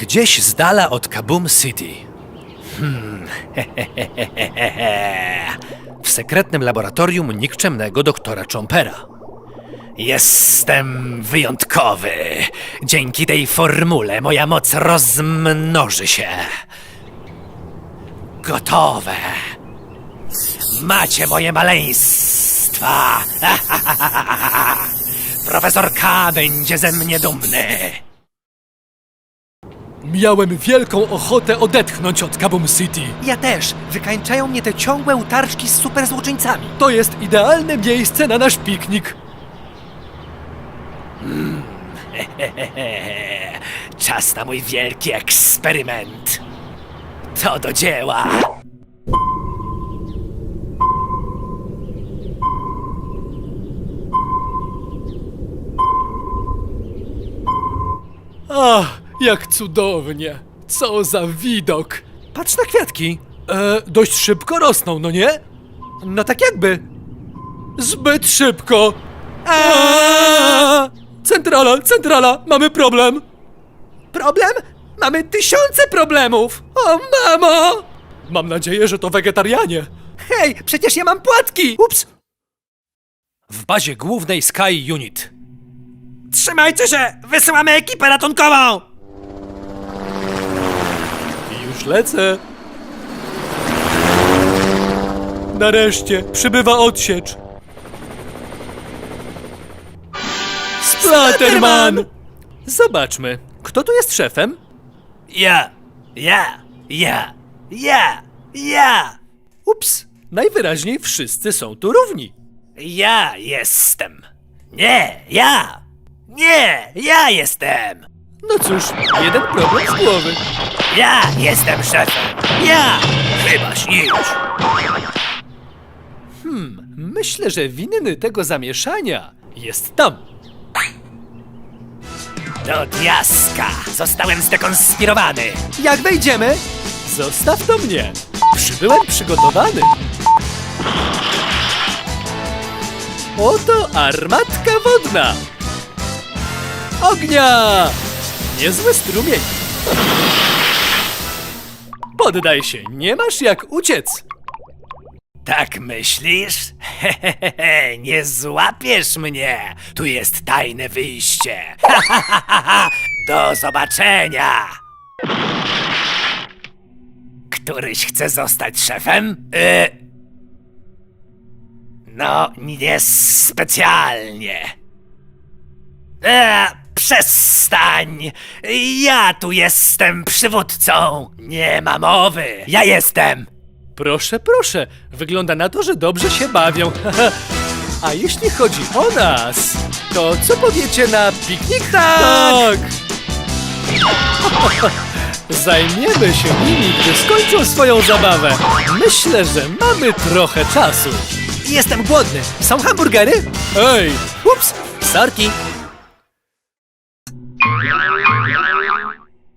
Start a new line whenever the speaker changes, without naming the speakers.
Gdzieś z dala od Kaboom City. W sekretnym laboratorium nikczemnego doktora Chompera. Jestem wyjątkowy. Dzięki tej formule moja moc rozmnoży się. Gotowe. Macie moje maleństwa. Profesor K będzie ze mnie dumny.
Miałem wielką ochotę odetchnąć od Kaboom City.
Ja też. Wykańczają mnie te ciągłe utarczki z superzłoczyńcami.
To jest idealne miejsce na nasz piknik.
Czas na mój wielki eksperyment. To do dzieła.
Ach, jak cudownie. Co za widok.
Patrz na kwiatki.
Dość szybko rosną, no nie?
No tak jakby.
Zbyt szybko. Centrala, mamy problem.
Problem? Mamy tysiące problemów.
O, mamo! Mam nadzieję, że to wegetarianie.
Hej, przecież ja mam płatki. Ups. W bazie głównej Sky Unit. Trzymajcie się! Wysyłamy ekipę ratunkową!
Już lecę. Nareszcie przybywa odsiecz. Splatterman!
Zobaczmy, kto tu jest szefem? Ja! Ups, najwyraźniej wszyscy są tu równi. Ja jestem. Ja jestem.
No cóż, jeden problem z głowy.
Ja jestem szefem. Chyba śnisz.
Myślę, że winny tego zamieszania jest tam.
Do diaska! Zostałem zdekonspirowany!
Jak wejdziemy? Zostaw to mnie. Przybyłem przygotowany. Oto armatka wodna. Ognia! Niezły strumień. Poddaj się, nie masz jak uciec.
Tak myślisz? Hehehe, nie złapiesz mnie! Tu jest tajne wyjście! Do zobaczenia! Któryś chce zostać szefem? No, nie specjalnie. Przestań! Ja tu jestem przywódcą! Nie ma mowy! Ja jestem!
Proszę, proszę, wygląda na to, że dobrze się bawią. A jeśli chodzi o nas, to co powiecie na piknik? Tak! Zajmiemy się nimi, gdy skończą swoją zabawę. Myślę, że mamy trochę czasu.
Jestem głodny. Są hamburgery?
Ej,
Ups, sorki.